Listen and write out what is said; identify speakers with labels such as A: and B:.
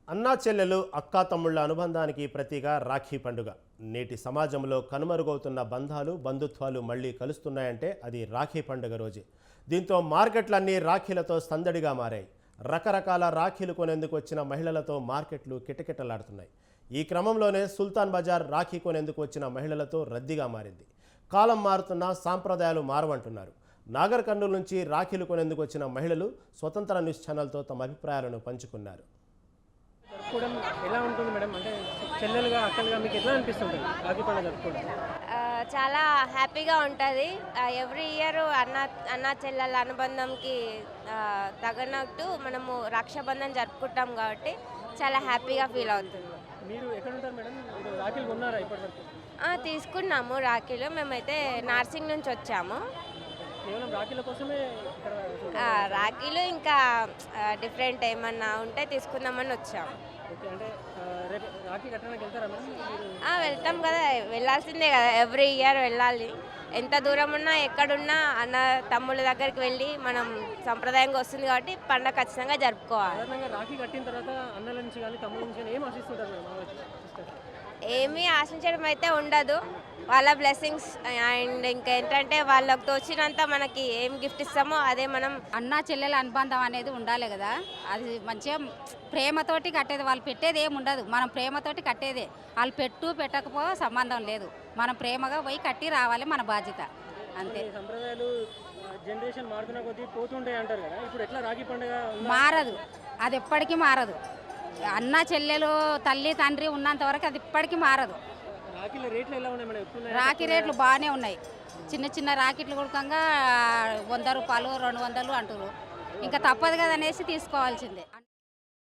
A: అన్నా చెల్లెలు అక్కా తమ్ముళ్ల అనుబంధానికి ప్రతీగా రాఖీ పండుగ. నేటి సమాజంలో కనుమరుగవుతున్న బంధాలు బంధుత్వాలు మళ్లీ కలుస్తున్నాయంటే అది రాఖీ పండుగ రోజే. దీంతో మార్కెట్లన్నీ రాఖీలతో సందడిగా మారాయి. రకరకాల రాఖీలు కొనేందుకు వచ్చిన మహిళలతో మార్కెట్లు కిటకిటలాడుతున్నాయి. ఈ క్రమంలోనే సుల్తాన్ బజార్ రాఖీ కొనేందుకు వచ్చిన మహిళలతో రద్దీగా మారింది. కాలం మారుతున్నా సాంప్రదాయాలు మారవంటున్నారు. నాగర్ కర్నూలు నుంచి రాఖీలు కొనేందుకు వచ్చిన మహిళలు స్వతంత్ర న్యూస్ ఛానల్తో తమ అభిప్రాయాలను పంచుకున్నారు.
B: జరుపుకోవడం ఎలా ఉంటుంది మేడం? అంటే చెల్లెలుగా అక్కలుగా మీకు ఎట్లా అనిపిస్తుంది రాఖీ పండుగ జరుపుకోవడం?
C: చాలా హ్యాపీగా ఉంటుంది. ఎవ్రీ ఇయర్ అన్న చెల్లెల అనుబంధంకి తగినట్టు మనము రక్షాబంధన్ జరుపుకుంటాం కాబట్టి చాలా హ్యాపీగా ఫీల్ అవుతుంది.
B: మీరు ఎక్కడ ఉంటారు మేడం? మీరు రాఖీలు కొన్నారా ఇప్పటివరకు?
C: తీసుకున్నాము రాఖీలు. మేమైతే నార్సింగ్ నుంచి వచ్చాము.
B: కేవలం రాఖీల కోసమే ఇక్కడ
C: రాఖీలు ఇంకా డిఫరెంట్ ఏమన్నా ఉంటే తీసుకుందామని వచ్చాము.
B: ఓకే. అంటే రేపు రాఖీ కట్టడానికి వెళ్తారా మేడం మీరు?
C: వెళ్తాం కదా, వెళ్ళాల్సిందే కదా, ఎవ్రీ ఇయర్ వెళ్ళాలి. ఎంత దూరం ఉన్నా ఎక్కడున్నా అన్న తమ్ముళ్ళ దగ్గరికి వెళ్ళి మనం సంప్రదాయంగా వస్తుంది కాబట్టి పండుగ ఖచ్చితంగా జరుపుకోవాలి.
B: సాధారణంగా రాఖీ కట్టిన తర్వాత అన్నల నుంచి కానీ తమ్ముళ్ళ నుంచి కానీ ఏం ఆశిస్తుంటారు మేడం?
C: ఏమీ ఆశించడం అయితే ఉండదు. వాళ్ళ బ్లెస్సింగ్స్ అండ్ ఇంకేంటంటే వాళ్ళకి తోచినంత మనకి ఏం గిఫ్ట్ ఇస్తామో అదే మనం.
D: అన్నా చెల్లెల అనుబంధం అనేది ఉండాలి కదా, అది మంచిగా ప్రేమతోటి కట్టేది. వాళ్ళు పెట్టేది ఏమి ఉండదు, మనం ప్రేమతోటి కట్టేదే. వాళ్ళు పెట్టకపో సంబంధం లేదు, మనం ప్రేమగా పోయి కట్టి రావాలి, మన బాధ్యత అంతే.
B: సంప్రదాయాలు జనరేషన్ మారుతున్న కొద్దీ పోతుంటాయి అంటారు కదా, ఇప్పుడు ఎట్లా రాఖీ పండుగ?
D: మారదు, అది ఎప్పటికీ మారదు. అన్న చెల్లెలు తల్లి తండ్రి ఉన్నంత వరకు అది ఇప్పటికీ మారదు.
B: రాఖీల రేట్లు ఎలా ఉన్నాయి మేడం?
D: రాఖీ రేట్లు బాగానే ఉన్నాయి. చిన్న చిన్న రాకెట్లు కొడుకంగా 100 రూపాయలు 200 అంటారు. ఇంకా తప్పదు కదా అనేసి తీసుకోవాల్సిందే.